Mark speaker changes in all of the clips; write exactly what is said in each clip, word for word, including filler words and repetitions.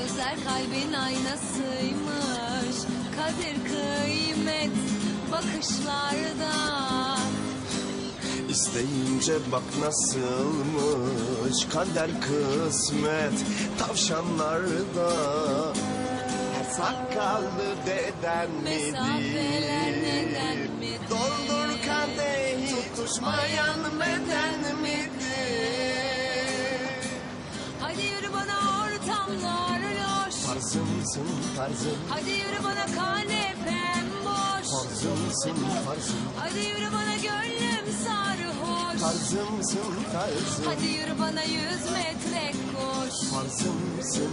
Speaker 1: Gözler kalbin aynasıymış. Kadir kıymet bakışlarda.
Speaker 2: İsteyince bak nasılmış kader kısmet tavşanlarda. Sakallı deden
Speaker 1: Mesafeler neden
Speaker 2: midir?
Speaker 1: midir?
Speaker 2: Doldur kadehi tutuşmayan beden midir?
Speaker 1: Hadi yürü bana ortamlar loş.
Speaker 2: Farzımsın farzım,
Speaker 1: Hadi yürü bana kanepem boş.
Speaker 2: farzımsın farzım,
Speaker 1: Hadi yürü bana gönlüm sarhoş.
Speaker 2: farzımsın farzım,
Speaker 1: Hadi yürü bana yüz metre koş.
Speaker 2: farzımsın.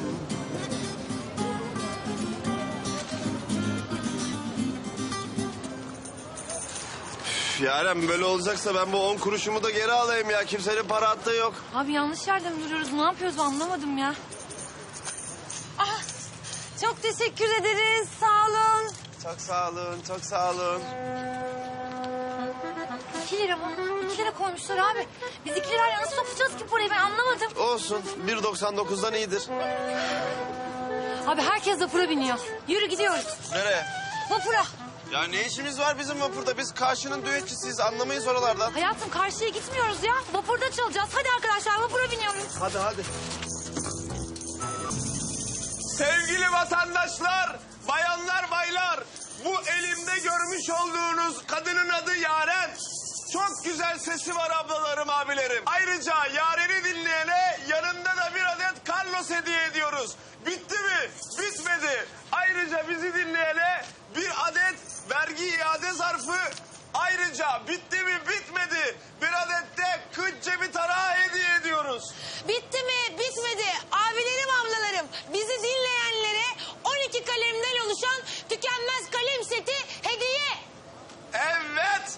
Speaker 2: Yaren böyle olacaksa ben bu on kuruşumu da geri alayım ya. Kimsenin para attığı yok.
Speaker 3: Abi yanlış yerde mi duruyoruz? Ne yapıyoruz anlamadım ya. Ah, çok teşekkür ederiz. Sağ olun.
Speaker 2: Çok sağ olun, çok sağ olun.
Speaker 3: İki lira mı? İki lira koymuşlar abi. Biz iki lirayla nasıl sokacağız ki parayı ben anlamadım.
Speaker 2: Olsun, bir doksan dokuzdan iyidir.
Speaker 3: Abi herkes vapura biniyor. Yürü gidiyoruz.
Speaker 2: Nereye?
Speaker 3: Vapura.
Speaker 2: Ya ne işimiz var bizim vapurda? Biz karşının düetçisiyiz, anlamayız oralardan.
Speaker 3: Hayatım karşıya gitmiyoruz ya. Vapurda çalacağız. Hadi arkadaşlar vapura biniyoruz.
Speaker 2: Hadi hadi. Sevgili vatandaşlar, bayanlar, baylar. Bu elimde görmüş olduğunuz kadının adı Yaren. Çok güzel sesi var ablalarım, abilerim. Ayrıca Yaren'i dinleyene yanında da bir adet Carlos hediye ediyoruz. Bitti mi? Bitmedi. Ayrıca bizi dinleyene bir adet vergi iade zarfı. Ayrıca bitti mi? Bitmedi. Bir adet de kıç cebi tarağı hediye ediyoruz.
Speaker 4: Bitti mi? Bitmedi. Abilerim, ablalarım. Bizi dinleyenlere on iki kalemden oluşan tükenmez kalem seti hediye.
Speaker 2: Evet.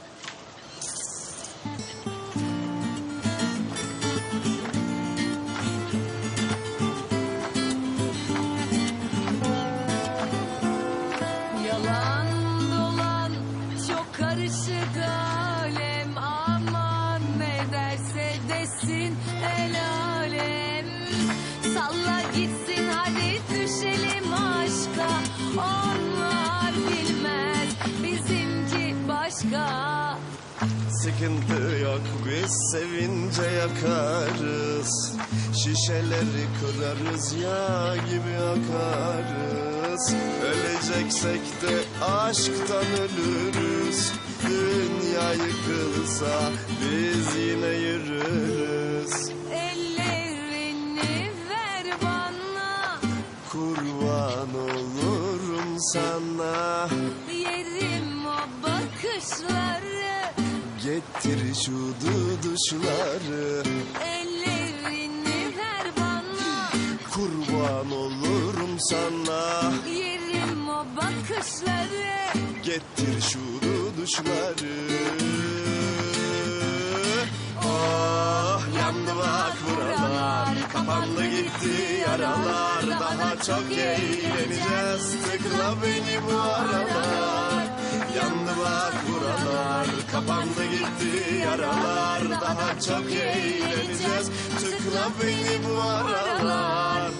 Speaker 1: Yalan dolan çok karışık alem. Aman ne derse desin el alem. Salla gitsin hadi düşelim aşka. Onlar bilmez bizimki başka.
Speaker 2: Sıkıntı yok, biz sevince yakarız. Şişeleri kırarız, yağ gibi akarız. Öleceksek de aşktan ölürüz. Dünya yıkılsa biz yine yürürüz.
Speaker 1: Ellerini ver bana.
Speaker 2: Kurban olurum sana.
Speaker 1: Yerim o bakışları.
Speaker 2: Getir şu duduşları.
Speaker 1: Ellerini ver bana.
Speaker 2: Kurban olurum sana.
Speaker 1: Yerim o bakışları.
Speaker 2: Getir şu duduşları. Oh, yandı bak buralar. Kapandı gitti yaralar. Daha çok eğleneceğiz. Tıkla beni bu aralar. Yandı bak buralar. Kapandı gitti yaralar. Daha çok eğleneceğiz. Tıkla beni bu aralar.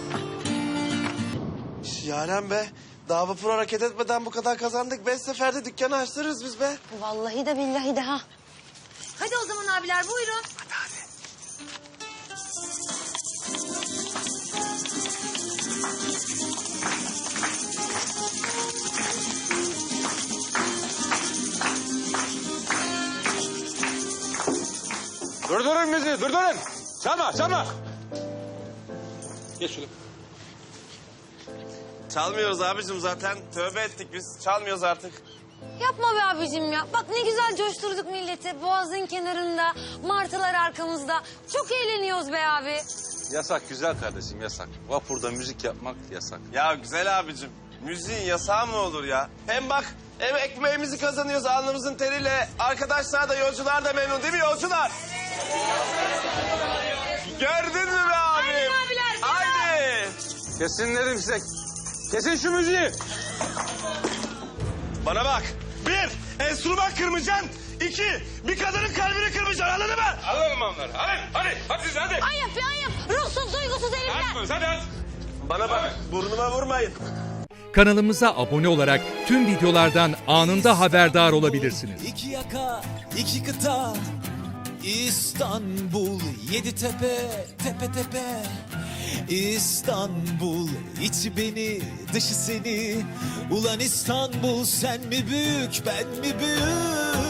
Speaker 2: Yaren be, daha vapur hareket etmeden bu kadar kazandık. Beş seferde dükkanı açtırırız biz be.
Speaker 4: Vallahi de billahi de ha.
Speaker 3: Hadi o zaman abiler buyurun.
Speaker 2: Hadi hadi.
Speaker 5: Durdurun bizi, durdurun. Çalma, çalma. Geç şöyle.
Speaker 2: Çalmıyoruz abicim zaten. Tövbe ettik biz. Çalmıyoruz artık.
Speaker 4: Yapma be abicim ya. Bak ne güzel coşturduk milleti. Boğazın kenarında, martılar arkamızda. Çok eğleniyoruz be abi.
Speaker 5: Yasak güzel kardeşim, yasak. Vapurda müzik yapmak yasak.
Speaker 2: Ya güzel abicim. Müziğin yasağı mı olur ya? Hem bak hem ekmeğimizi kazanıyoruz alnımızın teriyle. Arkadaşlar da yolcular da memnun değil mi yolcular? Gördün mü be abim?
Speaker 4: Aynen abiler,
Speaker 2: Haydi.
Speaker 5: Kesin dedim size. Kesin şu müziği.
Speaker 2: Bana bak. Bir, enstrüman kırmayacaksın. İki, bir kadının kalbini kırmayacaksın anladın mı?
Speaker 5: Alalım onları, alın. Hadi, hadi siz hadi.
Speaker 4: Ayıp be ayıp. Ruhsuz duygusuz herifler.
Speaker 5: Hadi, hadi.
Speaker 2: Bana bak, burnuma vurmayın.
Speaker 6: Kanalımıza abone olarak tüm videolardan anında haberdar olabilirsiniz.
Speaker 7: İki yaka, iki kıta, İstanbul, yedi tepe, tepe tepe. İstanbul, içi beni, dışı seni. Ulan İstanbul, sen mi büyük, ben mi büyük?